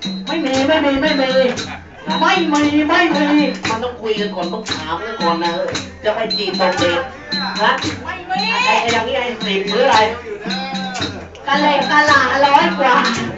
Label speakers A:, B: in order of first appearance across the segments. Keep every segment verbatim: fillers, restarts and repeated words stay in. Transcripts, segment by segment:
A: ไม่มีไม่มีไม่มีไม่มีไม่มีมันต้องคุยกันก่อนต้องถามกันก่อนนะจะไปจีบตรงเด็กนะไม่มีไอ้อย่างนี้ไอ้สิบหรืออะไรกะเล็กกะลาร้อยกว่า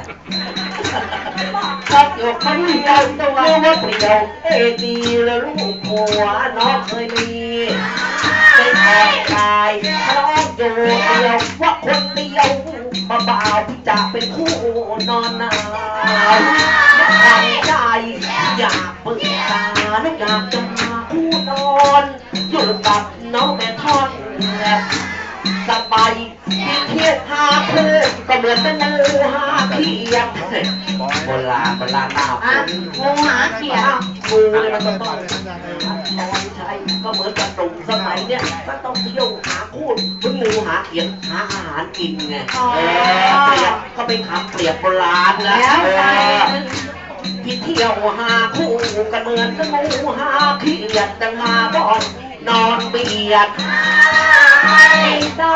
A: ชอบอยู่คนเดียวตัวเรียกว่าเปลี่ยวเอดีแล้วลูกผัวน้องเคยมีเป็นแอบกายทะเลาะอยู่เดียวว่าคนเดียวมาบ่าวพี่จะเป็นคู่นอนนาวอยากทำใจอยากปรึกษาและอยากจะมาคู่นอนอยู่กับน้องแม่ทอดสบายที่เทียบหาคู่ก็เหมือนเป็นงูหาเขียดโบราณโบราณหน้างูหาเขียดงูเลยมันก็ต้องนอนใช้ก็เหมือนกับตุ่มสมัยเนี้ยมันต้องเที่ยวหาคู่เป็นงูหาเขียดหาอาหารกินไงเออเปรียบก็เป็นคำเปรียบโบราณแล้วพี่เที่ยวหาคู่กันเหมือนกับงูหาเขียดจะมาบ่อนนอนเบียดไม่ได้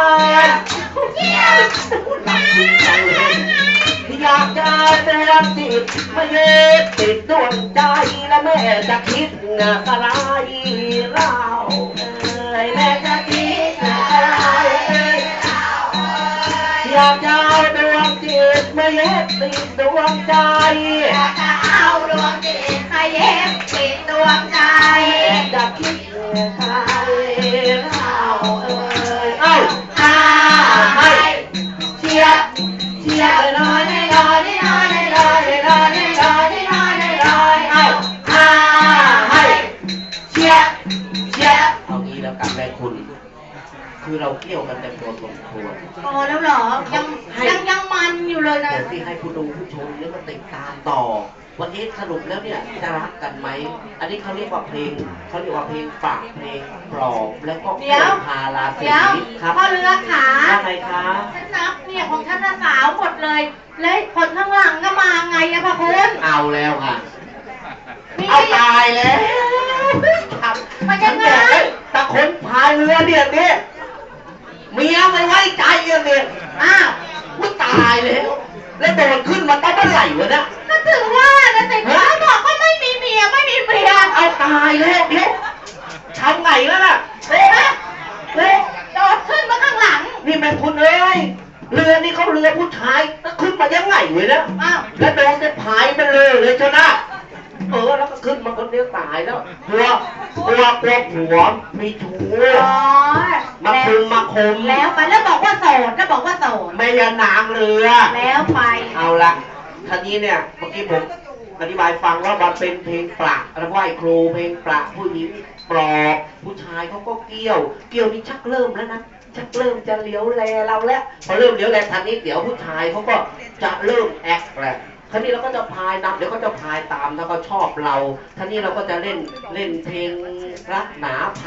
A: รักจริงจังเลยอยากจะเตือนจิตมาเย็ดติดดวงใจและแม่จะคิดอะไรเราเอ้ยแม่จะคิดอะไรอยากจะเอาดวงจิตมาเย็ดติดดวงใจอยากจะเอาดวงจิตมาเย็ดติดดวงใจจะคิดอะไรเราเอ้ยเอ้าอาให้เชียร์เชียร์เลยน้อยน้อยน้อยน้อยน้อยน้อยน้อยน้อยเอ้าอาให้เชียร์เชียร์เอางี้แล้วกันแม่คุณคือเราเกี่ยวกันแต่ตัวสมควร
B: พอแล้วเหรอยังยังยังมันอยู่เลยนะ
A: เดี๋ยวที่ให้ผู้ดูผู้ชมเนี่ยก็ติดตามต่อวันนี้สรุปแล้วเนี่ยจะรักกันไหมอันนี้เขาเรียกว่าเพลงเขาเรียกว่าเพลงฝากเพลงปลอบแล้วก็เพลงพาราสีครับ
B: พ่อเรือขา
A: ว่าไงคะ
B: ฉันนับเนี่ยของฉันสาวหมดเลยแล้วคนข้างหลังก็มาไงอะพ่อคุณ
A: เอาแล้วค่ะเอาตายแล้ว
B: มันยังไง
A: แต่คนพายเรือเนี่ยเนี่ยเมียไม่ไว้ใจเนี่ย
B: อ้าว
A: ว่าตายแล้วแล้วโดนขึ้นมาตั้งเมื่อไหร่วะเนี่ย
B: ก็ถือว่านะแต่เขาบอกว่าไม่มีเมียไม่มีเมีย
A: เอาตายแล้วเดี๋ยวทำไงแล้วล่ะ
B: เฮ้ยเฮ้ยโดดขึ้นมาข้างหลัง
A: นี่แม่คุณเอ้ยเรือนี่เขาเรือผู้ชายแล้วขึ้นมายังไงวะเนี่ย
B: อ้าว
A: แล้วโดนจะพายมันเลยเลยชนะเออแล้วก็ขึ้นมาคนเดียวตายแล้วกลัวกลัวกลัวผัวมีชู้มาคุมมาคม
B: แล้วไปแล้วบอกว่าโสดแล้วบอกว่าโสด
A: ไม่ยานางเรือ
B: แล้วไป
A: เอาละท่านี้เนี่ยเมื่อกี้ผมอธิบายฟังว่ามันเป็นเพลงปละแล้วไหว้ครูเพลงปละผู้หญิงปลอบผู้ชายเขาก็เกี่ยวเกี่ยวนี่ชักเริ่มแล้วนะชักเริ่มจะเลี้ยวแลเราแล้วพอเริ่มเลี้ยวแลท่านี้เดี๋ยวผู้ชายเขาก็จะเริ่มแอคแหละท่านี้เราก็จะพายนำเดี๋ยวก็จะพายตามแล้วก็ชอบเราท่านี้เราก็จะเล่นเล่นเพลงรักหนา